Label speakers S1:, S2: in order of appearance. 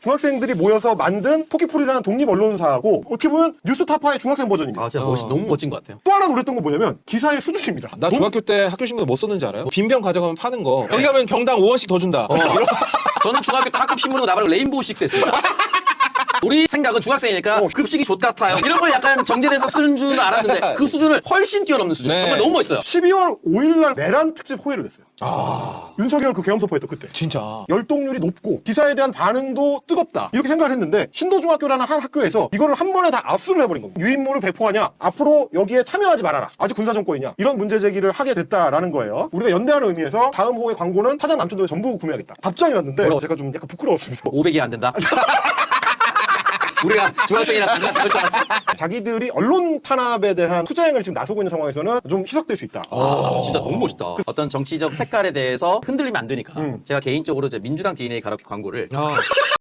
S1: 중학생들이 모여서 만든 토끼풀이라는 독립 언론사하고 어떻게 보면 뉴스타파의 중학생 버전입니다.
S2: 아, 진짜 너무 멋진 것 같아요.
S1: 또 하나 놀랬던 건 뭐냐면 기사의 수준입니다.
S3: 나 중학교 때 학교 신문에 뭐 썼는지 알아요? 빈병 가져가면 파는 거. 여기 가면 병당 5원씩 더 준다.
S2: 저는 중학교 때 학급 신문으로 나발을 레인보우 식스 했습니다. 우리 생각은 중학생이니까 급식이 좋같아요 이런 걸 약간 정제돼서 쓰는 줄 알았는데 그 수준을 훨씬 뛰어넘는 수준.
S3: 네.
S2: 정말 너무 멋있어요.
S1: 12월 5일날 내란 특집 호의를 냈어요. 윤석열 그 계엄 선포했던 그때.
S3: 진짜.
S1: 열동률이 높고 기사에 대한 반응도 뜨겁다 이렇게 생각을 했는데 신도중학교라는 한 학교에서 이거를 한 번에 다 압수를 해버린 겁니다. 유인물을 배포하냐 앞으로 여기에 참여하지 말아라 아직 군사정권이냐 이런 문제 제기를 하게 됐다라는 거예요. 우리가 연대하는 의미에서 다음 호의 광고는 사장 남천도에 전부 구매하겠다 답장이 왔는데 제가 좀 약간 부끄러웠습니다.
S2: 500이 안 된다. 우리가 중학생이랑 달라서 그럴 줄 알았어.
S1: 자기들이 언론 탄압에 대한 투쟁을 지금 나서고 있는 상황에서는 좀 희석될 수 있다.
S2: 진짜 너무 멋있다. 어떤 정치적 색깔에 대해서 흔들리면 안 되니까 제가 개인적으로 이제 민주당 DNA 가로키 광고를